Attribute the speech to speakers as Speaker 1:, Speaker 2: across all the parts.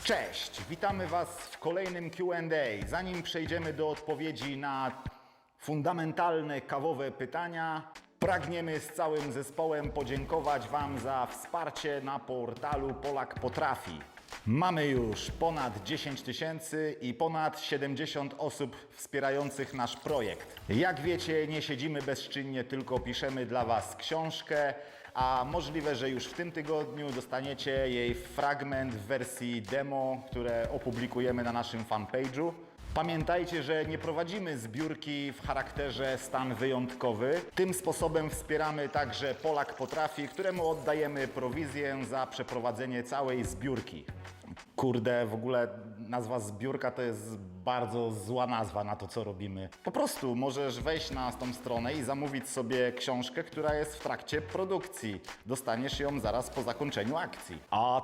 Speaker 1: Cześć, witamy Was w kolejnym Q&A. Zanim przejdziemy do odpowiedzi na fundamentalne kawowe pytania, pragniemy z całym zespołem podziękować Wam za wsparcie na portalu Polak Potrafi. Mamy już ponad 10 000 i ponad 70 osób wspierających nasz projekt. Jak wiecie, nie siedzimy bezczynnie, tylko piszemy dla Was książkę, a możliwe, że już w tym tygodniu dostaniecie jej fragment w wersji demo, które opublikujemy na naszym fanpage'u. Pamiętajcie, że nie prowadzimy zbiórki w charakterze stan wyjątkowy. Tym sposobem wspieramy także Polak Potrafi, któremu oddajemy prowizję za przeprowadzenie całej zbiórki. Kurde, w ogóle nazwa zbiórka to jest bardzo zła nazwa na to, co robimy. Po prostu możesz wejść na tą stronę i zamówić sobie książkę, która jest w trakcie produkcji. Dostaniesz ją zaraz po zakończeniu akcji. A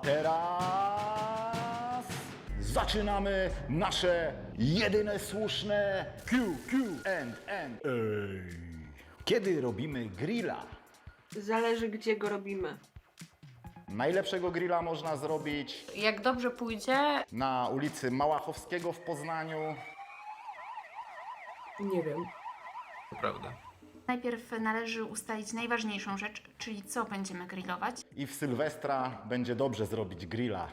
Speaker 1: teraz zaczynamy nasze jedyne słuszne Q&A. Kiedy robimy grilla?
Speaker 2: Zależy, gdzie go robimy.
Speaker 1: Najlepszego grilla można zrobić
Speaker 3: Jak dobrze pójdzie,
Speaker 1: na ulicy Małachowskiego w Poznaniu.
Speaker 2: Nie wiem.
Speaker 4: To prawda.
Speaker 5: Najpierw należy ustalić najważniejszą rzecz, czyli co będziemy grillować.
Speaker 1: I w Sylwestra będzie dobrze zrobić grilla.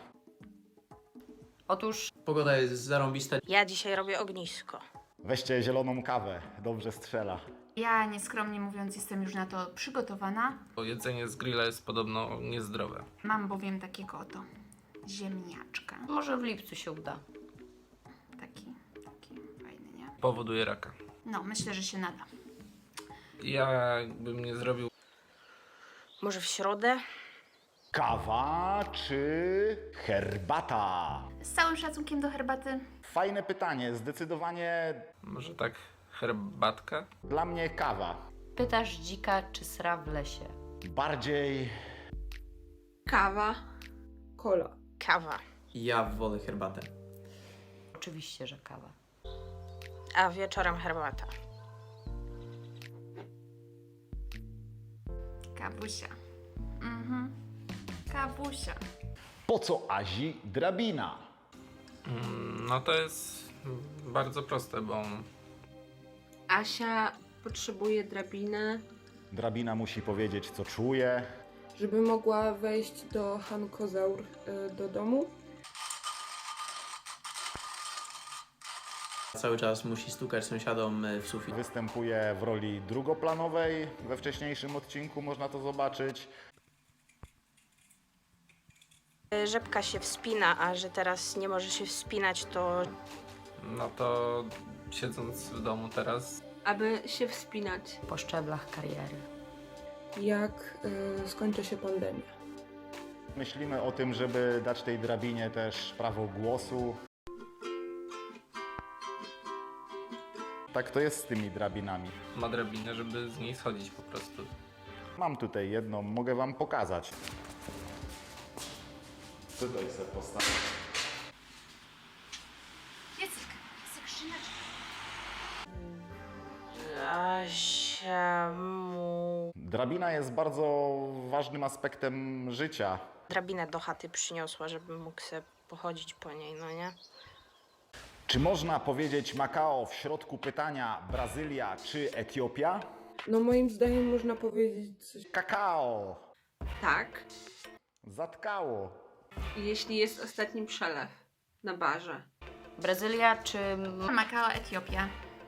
Speaker 3: otóż
Speaker 4: Pogoda jest zarąbista.
Speaker 6: Ja dzisiaj robię ognisko.
Speaker 1: Weźcie zieloną kawę, dobrze strzela.
Speaker 5: Ja, nieskromnie mówiąc, jestem już na to przygotowana.
Speaker 4: Bo jedzenie z grilla jest podobno niezdrowe.
Speaker 5: Mam bowiem takiego oto ziemniaczka.
Speaker 3: może w lipcu się uda.
Speaker 5: Taki fajny, nie?
Speaker 4: Powoduje raka.
Speaker 5: No, myślę, że się nada.
Speaker 4: Ja bym nie zrobił.
Speaker 6: Może w środę?
Speaker 1: Kawa czy herbata?
Speaker 5: Z całym szacunkiem do herbaty,
Speaker 1: Fajne pytanie, zdecydowanie
Speaker 4: Może tak herbatka?
Speaker 1: dla mnie kawa.
Speaker 3: Pytasz dzika, czy sra w lesie.
Speaker 1: Bardziej
Speaker 2: Kawa. Kola.
Speaker 6: Kawa.
Speaker 7: Ja wolę herbatę.
Speaker 3: Oczywiście, że kawa.
Speaker 6: A wieczorem herbata.
Speaker 5: kawusia. Kawusia.
Speaker 1: po co Azi drabina?
Speaker 4: No to jest bardzo proste, bo
Speaker 2: Asia potrzebuje drabiny,
Speaker 1: Drabina musi powiedzieć, co czuje.
Speaker 2: żeby mogła wejść do Hankozaur do domu.
Speaker 7: Cały czas musi stukać sąsiadom w sufit.
Speaker 1: Występuje w roli drugoplanowej. We wcześniejszym odcinku można to zobaczyć.
Speaker 6: Rzepka się wspina, a że teraz nie może się wspinać, to
Speaker 4: no to siedząc w domu teraz,
Speaker 2: Aby się wspinać,
Speaker 3: Po szczeblach kariery.
Speaker 2: jak skończy się pandemia.
Speaker 1: Myślimy o tym, żeby dać tej drabinie też prawo głosu. Tak to jest z tymi drabinami.
Speaker 4: ma drabinę, żeby z niej schodzić po prostu.
Speaker 1: Mam tutaj jedną, mogę Wam pokazać. Tutaj sobie postawię.
Speaker 5: Piecyk, skrzyneczka.
Speaker 6: Asia mu
Speaker 1: Drabina jest bardzo ważnym aspektem życia.
Speaker 6: drabinę do chaty przyniosła, żeby mógł sobie pochodzić po niej, no nie?
Speaker 1: Czy można powiedzieć Makao w środku pytania Brazylia czy Etiopia?
Speaker 2: No moim zdaniem można powiedzieć coś.
Speaker 1: Kakao!
Speaker 2: Tak,
Speaker 1: Zatkało.
Speaker 2: jeśli jest ostatni przelew na barze.
Speaker 3: Brazylia czy
Speaker 5: Makao, Etiopia.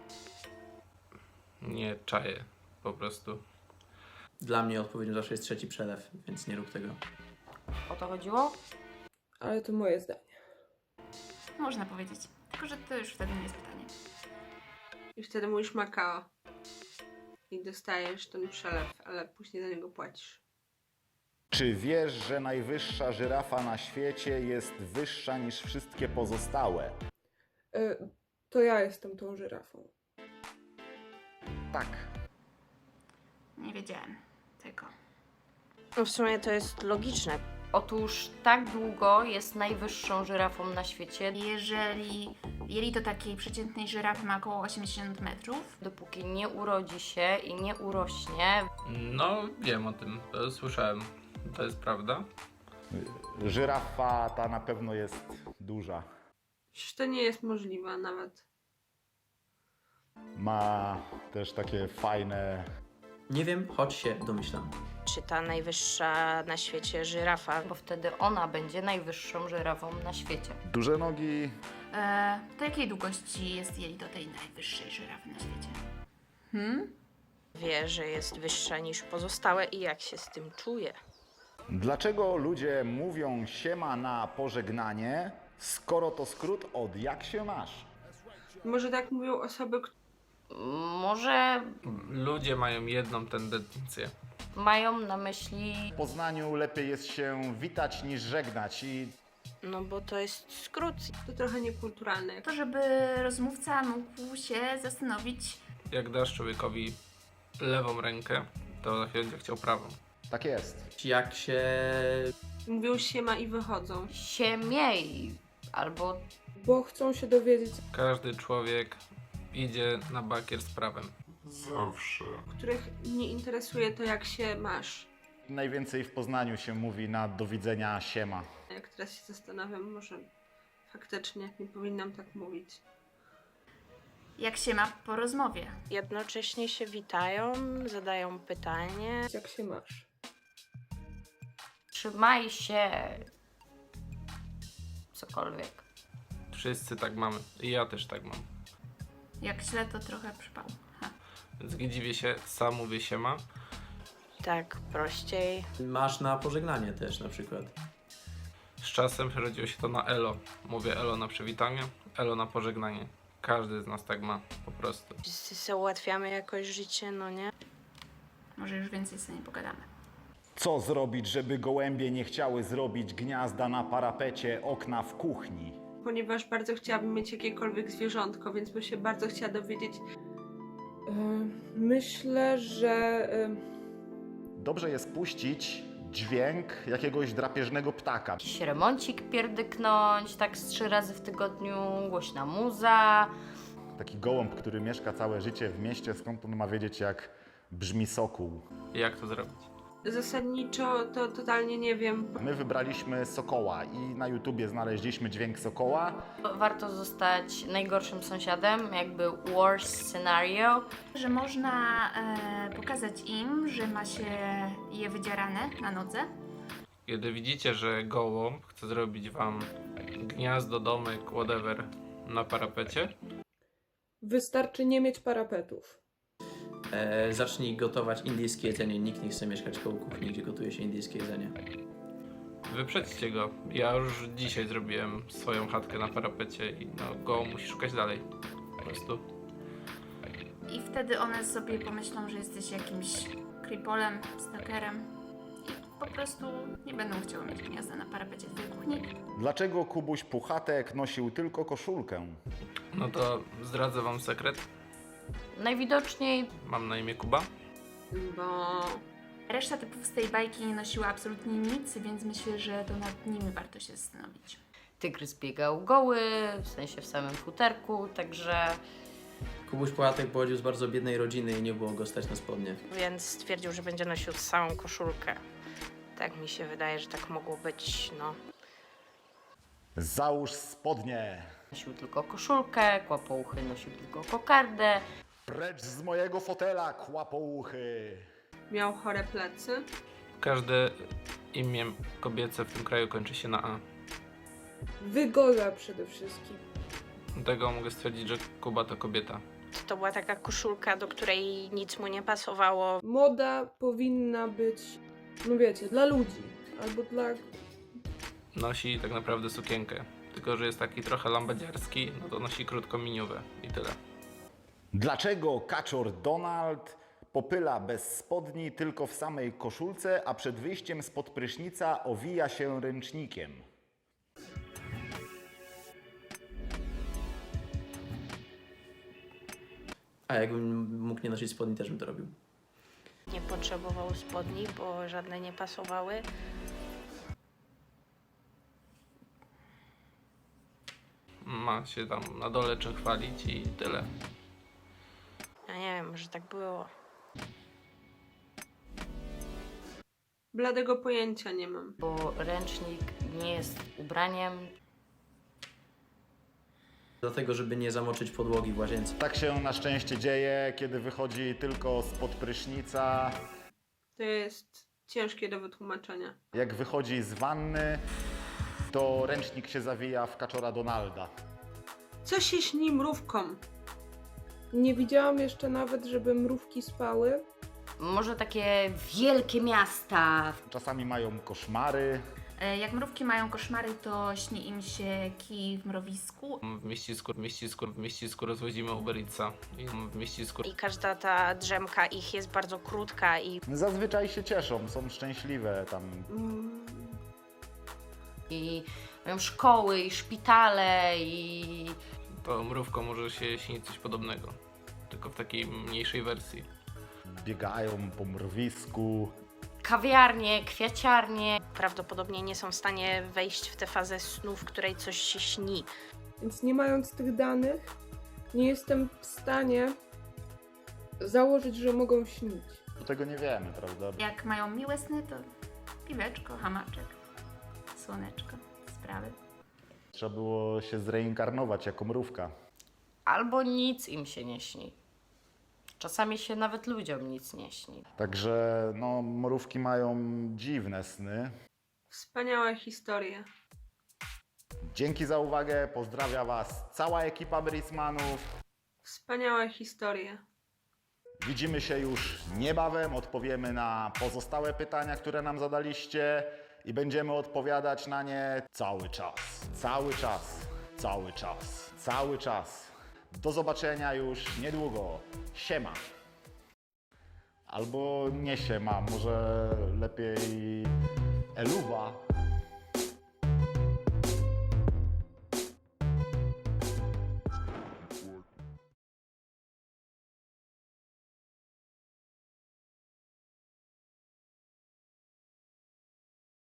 Speaker 4: Nie czaję po prostu.
Speaker 7: Dla mnie odpowiedzią zawsze jest trzeci przelew, więc nie rób tego.
Speaker 3: o to chodziło?
Speaker 2: Ale to moje zdanie.
Speaker 5: Można powiedzieć. Tylko, że to już wtedy nie jest pytanie.
Speaker 2: I wtedy mówisz Makao. I dostajesz ten przelew, ale później za niego płacisz.
Speaker 1: Czy wiesz, że najwyższa żyrafa na świecie jest wyższa niż wszystkie pozostałe?
Speaker 2: To ja jestem tą żyrafą.
Speaker 1: Tak.
Speaker 5: Nie wiedziałem tego.
Speaker 6: No w sumie to jest logiczne.
Speaker 3: Otóż tak długo jest najwyższą żyrafą na świecie,
Speaker 5: Jeżeli jelito takiej przeciętnej żyrafy ma około 80 metrów,
Speaker 3: dopóki nie urodzi się i nie urośnie.
Speaker 4: No wiem o tym, to słyszałem. To jest prawda.
Speaker 1: Żyrafa ta na pewno jest duża.
Speaker 2: Przecież to nie jest możliwe nawet.
Speaker 1: Ma też takie fajne...
Speaker 7: Nie wiem, choć się domyślam.
Speaker 6: Czy ta najwyższa na świecie żyrafa?
Speaker 3: Bo wtedy ona będzie najwyższą żyrafą na świecie.
Speaker 1: duże nogi.
Speaker 5: To jakiej długości jest jelito tej najwyższej żyrafy na świecie?
Speaker 6: Wie, że jest wyższa niż pozostałe i jak się z tym czuje?
Speaker 1: Dlaczego ludzie mówią siema na pożegnanie, skoro to skrót od jak się masz?
Speaker 2: Może tak mówią osoby,
Speaker 3: Może
Speaker 4: Ludzie mają jedną tendencję.
Speaker 3: mają na myśli
Speaker 1: W Poznaniu lepiej jest się witać niż żegnać i
Speaker 6: No bo to jest skrót.
Speaker 2: to trochę niekulturalne.
Speaker 5: To, żeby rozmówca mógł się zastanowić,
Speaker 4: Jak dasz człowiekowi lewą rękę, to za chwilę będzie chciał prawą.
Speaker 1: tak jest.
Speaker 7: Jak się...
Speaker 2: Mówią siema i wychodzą.
Speaker 3: się miej, albo
Speaker 2: Bo chcą się dowiedzieć,
Speaker 4: Każdy człowiek idzie na bakier z prawem.
Speaker 2: których nie interesuje to, jak się masz.
Speaker 1: Najwięcej w Poznaniu się mówi na do widzenia siema.
Speaker 2: Jak teraz się zastanawiam, może faktycznie nie powinnam tak mówić.
Speaker 5: jak się ma po rozmowie.
Speaker 6: Jednocześnie się witają, zadają pytanie.
Speaker 2: Jak się masz?
Speaker 3: trzymaj się. Cokolwiek.
Speaker 4: Wszyscy tak mamy. I ja też tak mam.
Speaker 5: Jak źle, to trochę przypał.
Speaker 4: Więc nie dziwię się, sam mówię siema.
Speaker 6: Tak, prościej.
Speaker 7: Masz na pożegnanie też na przykład.
Speaker 4: Z czasem przerodziło się to na elo. Mówię elo na przywitanie, elo na pożegnanie. Każdy z nas tak ma, po prostu.
Speaker 6: Wszyscy sobie ułatwiamy jakoś życie, no nie?
Speaker 5: Może już więcej sobie nie pogadamy.
Speaker 1: Co zrobić, żeby gołębie nie chciały zrobić gniazda na parapecie okna w kuchni?
Speaker 2: Ponieważ bardzo chciałabym mieć jakiekolwiek zwierzątko, więc bym się bardzo chciała dowiedzieć. Myślę, że
Speaker 1: Dobrze jest puścić dźwięk jakiegoś drapieżnego ptaka.
Speaker 3: Jakiś remoncik pierdyknąć, tak z 3 razy w tygodniu, głośna muza.
Speaker 1: Taki gołąb, który mieszka całe życie w mieście, skąd on ma wiedzieć, jak brzmi sokół?
Speaker 4: Jak to zrobić?
Speaker 2: zasadniczo to totalnie nie wiem.
Speaker 1: My wybraliśmy sokoła i na YouTubie znaleźliśmy dźwięk sokoła.
Speaker 3: Warto zostać najgorszym sąsiadem, jakby worst scenario.
Speaker 5: Że można pokazać im, że ma się je wydzierane na nodze.
Speaker 4: Kiedy widzicie, że gołąb chce zrobić wam gniazdo, domek, whatever na parapecie,
Speaker 8: Wystarczy nie mieć parapetów.
Speaker 7: Zacznij gotować indyjskie jedzenie. Nikt nie chce mieszkać koło kuchni, gdzie gotuje się indyjskie jedzenie.
Speaker 4: wyprzedźcie go. Ja już dzisiaj zrobiłem swoją chatkę na parapecie i no gołąb musi szukać dalej. Po prostu.
Speaker 5: I wtedy one sobie pomyślą, że jesteś jakimś creepolem, stalkerem. I po prostu nie będą chciały mieć gniazda na parapecie twojej kuchni.
Speaker 1: Dlaczego Kubuś Puchatek nosił tylko koszulkę?
Speaker 4: No to zdradzę wam sekret.
Speaker 3: Najwidoczniej
Speaker 4: Mam na imię Kuba.
Speaker 2: Bo
Speaker 5: Reszta typów z tej bajki nie nosiła absolutnie nic, więc myślę, że to nad nimi warto się zastanowić.
Speaker 3: tygrys biegał goły, w sensie w samym futerku, także
Speaker 7: Kubuś Puchatek pochodził z bardzo biednej rodziny i nie było go stać na spodnie.
Speaker 6: Więc stwierdził, że będzie nosił całą koszulkę. Tak mi się wydaje, że tak mogło być, no.
Speaker 1: Załóż spodnie!
Speaker 3: nosił tylko koszulkę, kłapouchy nosił tylko kokardę.
Speaker 1: Precz z mojego fotela, kłapouchy!
Speaker 2: miał chore plecy.
Speaker 4: Każde imię kobiece w tym kraju kończy się na A.
Speaker 8: Wygoda przede wszystkim.
Speaker 4: Dlatego mogę stwierdzić, że Kuba to kobieta.
Speaker 6: To była taka koszulka, do której nic mu nie pasowało.
Speaker 8: Moda powinna być, no wiecie, dla ludzi. Albo dla...
Speaker 4: Nosi tak naprawdę sukienkę. Tylko, że jest taki trochę lambadziarski, no to nosi krótką miniówę i tyle.
Speaker 1: Dlaczego kaczor Donald popyla bez spodni tylko w samej koszulce, a przed wyjściem spod prysznica owija się ręcznikiem?
Speaker 7: A jakbym mógł nie nosić spodni, też bym to robił.
Speaker 6: Nie potrzebował spodni, bo żadne nie pasowały.
Speaker 4: Ma się tam na dole czym chwalić i tyle.
Speaker 6: Ja nie wiem, może tak było.
Speaker 2: Bladego pojęcia nie mam.
Speaker 3: bo ręcznik nie jest ubraniem.
Speaker 7: Dlatego, żeby nie zamoczyć podłogi w łazience.
Speaker 1: Tak się na szczęście dzieje, kiedy wychodzi tylko spod prysznica.
Speaker 2: To jest ciężkie do wytłumaczenia.
Speaker 1: Jak wychodzi z wanny, to ręcznik się zawija w kaczora Donalda.
Speaker 2: Co się śni mrówkom?
Speaker 8: Nie widziałam jeszcze nawet, żeby mrówki spały.
Speaker 3: Może takie wielkie miasta.
Speaker 1: Czasami mają koszmary.
Speaker 5: Jak mrówki mają koszmary, to śni im się kij w mrowisku.
Speaker 4: W mieścisku rozwozimy Uber Eatsa. I w mieścisku
Speaker 6: I każda ta drzemka ich jest bardzo krótka i
Speaker 1: Zazwyczaj się cieszą, są szczęśliwe tam.
Speaker 2: Mm,
Speaker 3: I mają szkoły, i szpitale, i
Speaker 4: to mrówką może się śnić coś podobnego. Tylko w takiej mniejszej wersji.
Speaker 1: Biegają po mrowisku.
Speaker 3: kawiarnie, kwiaciarnie.
Speaker 6: prawdopodobnie nie są w stanie wejść w tę fazę snu, w której coś się śni.
Speaker 8: Więc nie mając tych danych, nie jestem w stanie założyć, że mogą śnić.
Speaker 1: Bo tego nie wiemy, prawda?
Speaker 5: Jak mają miłe sny, to piweczko, hamaczek, słoneczko, sprawy.
Speaker 1: Trzeba było się zreinkarnować jako mrówka.
Speaker 3: Albo nic im się nie śni. Czasami się nawet ludziom nic nie śni.
Speaker 1: Także no, mrówki mają dziwne sny.
Speaker 2: Wspaniałe historie.
Speaker 1: Dzięki za uwagę, pozdrawia Was cała ekipa Brismanów.
Speaker 2: Wspaniałe historie.
Speaker 1: Widzimy się już niebawem, odpowiemy na pozostałe pytania, które nam zadaliście i będziemy odpowiadać na nie cały czas. Cały czas, cały czas, cały czas. Do zobaczenia już niedługo. Siema. Albo nie siema, może lepiej eluwa.